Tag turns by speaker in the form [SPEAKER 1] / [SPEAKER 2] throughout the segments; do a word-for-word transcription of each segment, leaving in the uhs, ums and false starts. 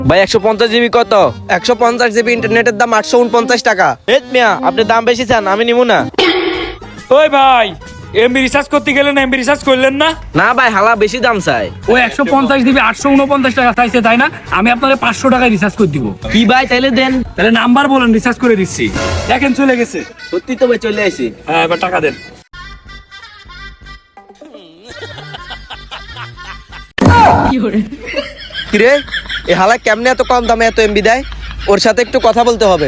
[SPEAKER 1] ভাই একশো পঞ্চাশ জিবি কত?
[SPEAKER 2] একশো পঞ্চাশ জিবি ইন্টারনেটের দাম আটশো উনপঞ্চাশ টাকা।
[SPEAKER 1] হেট মিয়া, আপনি দাম বেশি চান, আমি নিবো না।
[SPEAKER 3] ওই ভাই, এমবি রিচার্জ করতে গেলেন, এমবি রিচার্জ করলেন না?
[SPEAKER 1] না ভাই, হালা বেশি দাম চাই।
[SPEAKER 3] ওই একশো পঞ্চাশ দিবি আটশো উনপঞ্চাশ টাকা চাইছে, তাই না? আমি আপনার পাঁচশো টাকায় রিচার্জ করে দিব।
[SPEAKER 1] কি ভাই, তাইলে দেন।
[SPEAKER 3] তাহলে নাম্বার বলেন, রিচার্জ করে দিচ্ছি। দেখেন চলে গেছে।
[SPEAKER 1] সত্যি তো ভাই, চলে আসি।
[SPEAKER 3] হ্যাঁ, এবার টাকা দেন।
[SPEAKER 2] কিরে, এই হালা কেমনে এত কম দামে এত এমবি দেয়? ওর সাথে একটু কথা বলতে হবে।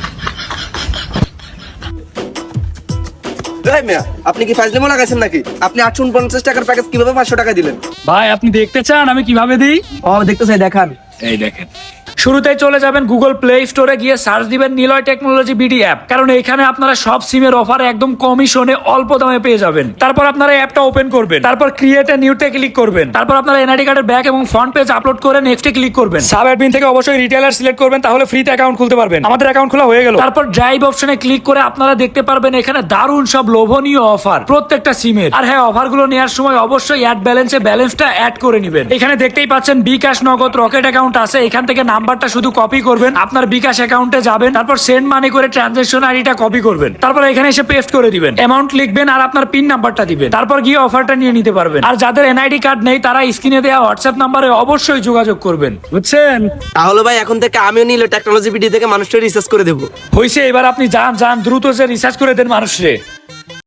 [SPEAKER 2] এই মিয়া, আপনি কি ফাজলিমো লাগাইছেন নাকি? আপনি আটশো উনপঞ্চাশ টাকার প্যাকেজ কিভাবে পাঁচশো টাকা দিলেন?
[SPEAKER 3] ভাই, আপনি দেখতে চান আমি কিভাবে দিই?
[SPEAKER 2] ও দেখতে চাই, দেখান।
[SPEAKER 3] এই দেখেন, শুরুতেই চলে যাবেন গুগল প্লে স্টোরে, গিয়ে সার্চ দিবেন নিলয় টেকনোলজি বিডি অ্যাপ। কারণ এখানে আপনারা সব সিমের অফার একদম কমিশনে অল্প দামে পেয়ে যাবেন। তারপর আপনারা অ্যাপটা ওপেন করবেন, তারপর ক্রিয়েট এ নিউতে ক্লিক করবেন, তারপর আপনারা এনআইডি কার্ডের ব্যাক এবং ফ্রন্ট পেজ আপলোড করে নেক্সটে ক্লিক করবেন। সাব অ্যাডমিন থেকে অবশ্যই রিটেলার সিলেক্ট করবেন, তাহলে ফ্রিতে অ্যাকাউন্ট খুলতে পারবেন। আমাদের অ্যাকাউন্ট খোলা হয়ে গেল। তারপর ড্রাইভ অপশনে ক্লিক করে আপনারা দেখতে পারবেন এখানে দারুণ সব লোভনীয় অফার প্রত্যেকটা সিমের। আর হ্যাঁ, অফারগুলো নেওয়ার সময় অবশ্যই অ্যাড ব্যালেন্সে ব্যালেন্সটা অ্যাড করে নেবেন। এখানে দেখতেই পাচ্ছেন বিকাশ, নগদ, রকেট অ্যাকাউন্ট আছে। এখান থেকে নাম্বারটা শুধু কপি করবেন, আপনার বিকাশ অ্যাকাউন্টে যাবেন, তারপর সেন্ড মানি করে ট্রানজাকশন আইডিটা কপি করবেন, তারপর এখানে এসে পেস্ট করে দিবেন, অ্যামাউন্ট লিখবেন আর আপনার পিন নাম্বারটা দিবেন, তারপর গিয়ে অফারটা নিয়ে নিতে পারবেন। আর যাদের এনআইডি কার্ড নেই তারা স্ক্রিনে দেওয়া হোয়াটসঅ্যাপ নাম্বারে অবশ্যই যোগাযোগ করবেন, বুঝছেন?
[SPEAKER 2] তাহলে ভাই এখন থেকে আমিও নিলে টেকনোলজি বিডি থেকে মানুষটা রিসার্চ করে দেবো।
[SPEAKER 3] হইছে, এবার আপনি যান যান দ্রুত যে রিসার্চ করে দেন মানুষরে।